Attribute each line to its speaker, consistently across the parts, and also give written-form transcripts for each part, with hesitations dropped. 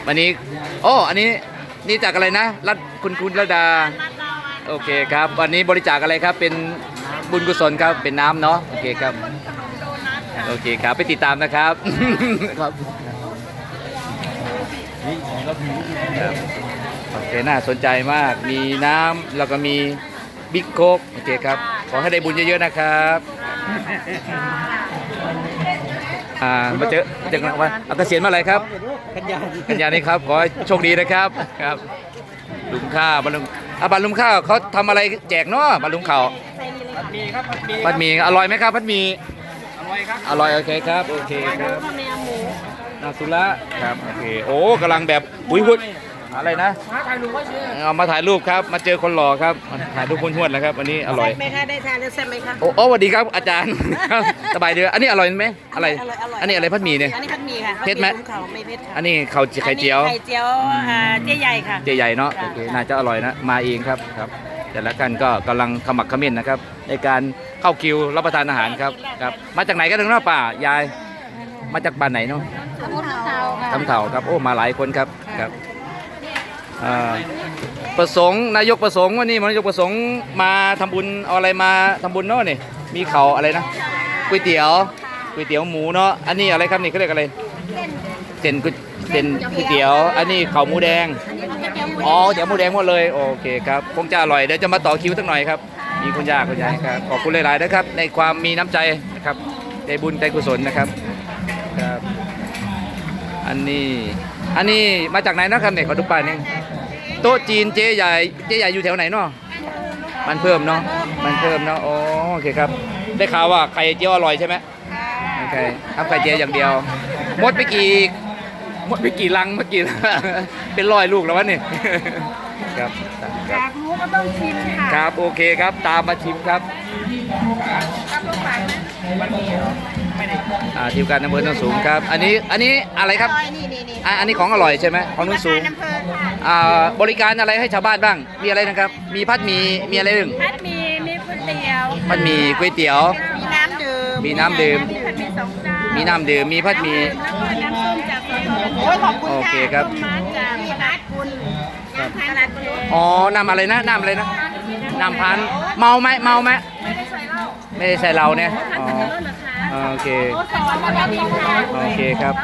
Speaker 1: วันนี้โอ้อันนี้นี่จากอะไรนะรัฐคุณระดาโอเคครับวันนี้บริจาคอะไรครับเป็นบุญกุศลครับเป็นน้ำเนาะโอเคครับโอเคครับไปติดตามนะครับครับโอเคน่าสนใจมากมีน้ำแล้วก็มีบิ๊กโค้กโอเคครับขอให้ได้บุญเยอะๆนะครับมาเจอกันวันเกษียณเมื่อไหร่ครับกันยานี้ครับขอให้โชคดีนะครับครับลุงข้าวบรรลุงบัตรลุงข้าวเขาทำอะไรแจกเนาะบัตรลุงข้าวผัดหมี่ครับผัดหมี่อร่อยไหมครับผัดหมี่อร่อยครับอร่อยโอเคครับโอเคครับนาสุระครับโอเคโอ้กำลังแบบหุยหุยอะไรนะมาถ่ายรูปเอามาถ่ายรูปครับมาเจอคนหล่อครับถ่ายรูปห้วนๆนะครับอันนี้อร่อย
Speaker 2: แซ่บไหมคะได้ทานแล้วแซ่บไหมคะ
Speaker 1: โอ้สวัสดีครับอาจารย์สบายดีอันนี้อร่อยไหมอะไรอันนี้อะไรผัดหมี่เนี่ย
Speaker 2: อันนี้ผัดหมี่ค่ะ
Speaker 1: เผ็ดไหม
Speaker 2: ไม่เผ็ดค่ะ
Speaker 1: อันนี้ข้าวไข่เจียว
Speaker 2: ไข่เจียวเจ๊ใหญ่ค่ะ
Speaker 1: เจ๊ใหญ่เนาะโอเคน่าจะอร่อยนะมาเองครับครับแต่ละกันก็กำลังขมักเขม้นนะครับในการเข้าคิวรับประทานอาหารครับครับมาจากไหนกันถึงเนาะป่ายายมาจากบ้านไหนเนาะคำเถ่าครับโอ้มาหลายคนครับครับประสงค์นายกประสงค์วันนี้นายกประสงค์มาทำบุญเอาอะไรมาทำบุญเนาะนี่มีเขาอะไรนะก๋วยเตี๋ยวหมูเนาะอันนี้อะไรครับนี่เขาเรียกอะไรเส้นก๋วยเตี๋ยวอันนี้ข้าวหมูแดงอ๋อเตี๋ยวหมูแดงหมดเลยโอเคครับคงจะอร่อยเดี๋ยวจะมาต่อคิวสักหน่อยครับมีคุณย่าคุณยายครับขอบคุณหลายๆนะครับในความมีน้ำใจนะครับใจบุญใจกุศลนะครับครับอันนี้มาจากไหนนะครับเนี่ยขอดูป้ายนึงโต๊ะจีนเจ๊ใหญ่อยู่แถวไหนเนาะมันเพิ่มเนาะโอเคครับได้ข่าวว่าไข่เจียวอร่อยใช่ไหมโอเคทำไข่เจียวอย่างเดียวหมดไปกี่ลังเมื่อกี้เป็น100 ลูกแล้ววะนี่ครับ
Speaker 2: อยากรู้ก็ต้องชิมค่ะ
Speaker 1: ครับโอเคครับตามมาชิมครับทีมการอำเภอโนนสูงครับอันนี้อะไรครับอันนี้ของอร่อยใช่ไหมของโนนสูงบริการอะไรให้ชาวบ้านบ้างมีอะไรนะครับมีผัดหมี่มีอะไรบ้าง
Speaker 2: ผัดหมี่มีก๋วยเตี๋ยว
Speaker 1: ผัดหมี่ก๋วยเตี๋ยว
Speaker 2: มีน้ำดื่ม
Speaker 1: มีน้ำดื่มมีผัดหมี่
Speaker 2: แล้วก็น้ำส้มจากขอบคุณค่ะ
Speaker 1: โอเคครับ
Speaker 2: มาจากนัดคุณน้ำพันธุ์
Speaker 1: อ๋อน้ำอะไรนะน้ำพันธุ์เมาไหมไม่ได้ใส่เหล้าเนี่ยอ๋อโอเคโอเคครับ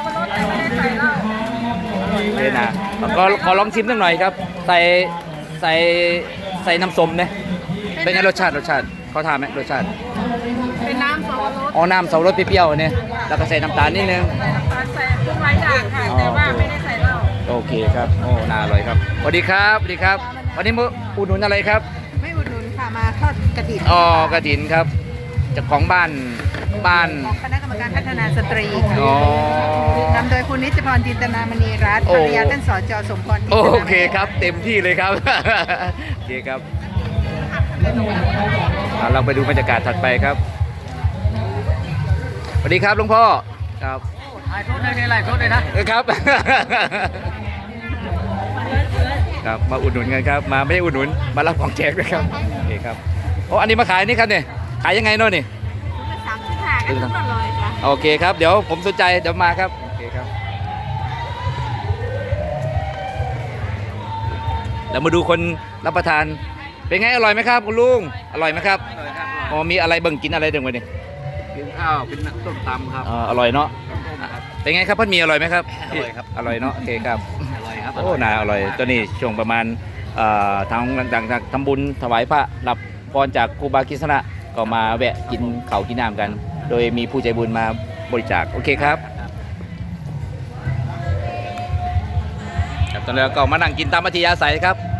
Speaker 1: เดี๋ยวนะขอลองชิมสักหน่อยครับใส่น้ำส้มเนี่ยเป็นไงรสชาติเขาทานไหมรสชาติ
Speaker 2: เป็นน้ำสับปะรด
Speaker 1: อ๋อน้ำสับปะรดเปรี้ยวๆเนี่ยแล้วก็ใส่น้ำตาลนิดนึง
Speaker 2: ใส่ทุกหลายอย่างค่ะแต่ว่าไม่ได้ใส่เหล้า
Speaker 1: โอเคครับโอ้น่าอร่อยครับสวัสดีครับวันนี้อุดหนุนอะไรครับ
Speaker 2: ไม่อุดหนุนค่ะมาทอดกฐิน
Speaker 1: อ๋อกฐินครับจากของบ้าน
Speaker 2: ของคณะกรรมการพัฒนาสตรีค่ะนำโดยคุณนิจพรจินตนามณีรัตน์ภรรยาท่านสจ.สมพร
Speaker 1: โอเคครับเต็มที่เลยครับโอเคครับเราไปดูบรรยากาศถัดไปครับสวัสดีครับหลวงพ่อครับ
Speaker 2: ถ่ายโทษได้ไงไลฟ์โทษเลย
Speaker 1: นะครับครับมาอุดหนุนกันครับมาไม่ได้อุดหนุนมารับของแจกด้วยครับโอเคครับโอ้อันนี้มาขายนี่ครับเนี่ยขายยังไงเนาะนี่โอเคครับเดี๋ยวผมสนใจเดี๋ยวมาครับโอเคครับเดี๋ยวมาดูคนรับประทานเป็นไงอร่อยไหมครับคุณลุงอร่อยไหมครับอ๋อมีอะไรเบิ่งกินอะไรเดี๋ยวนี้
Speaker 3: กินข้าวเป็นส้มตำครับ
Speaker 1: อร่อยเนาะเป็นไงครับพัดหมี่อร่อยไหมครับ
Speaker 3: อร่อยครับ
Speaker 1: อร่อยเนาะโอเคครับ
Speaker 3: อร่อยครับ
Speaker 1: โอ้น่าอร่อยตัวนี้ช่วงประมาณทางดังๆทำบุญถวายพระรับพรจากครูบากิษณะก็มาแวะกินข้าวกินน้ำกันโดยมีผู้ใจบุญมาบริจาคโอเคครับตอนนี้ก็มานั่งกินตามอัธยาศัยครับ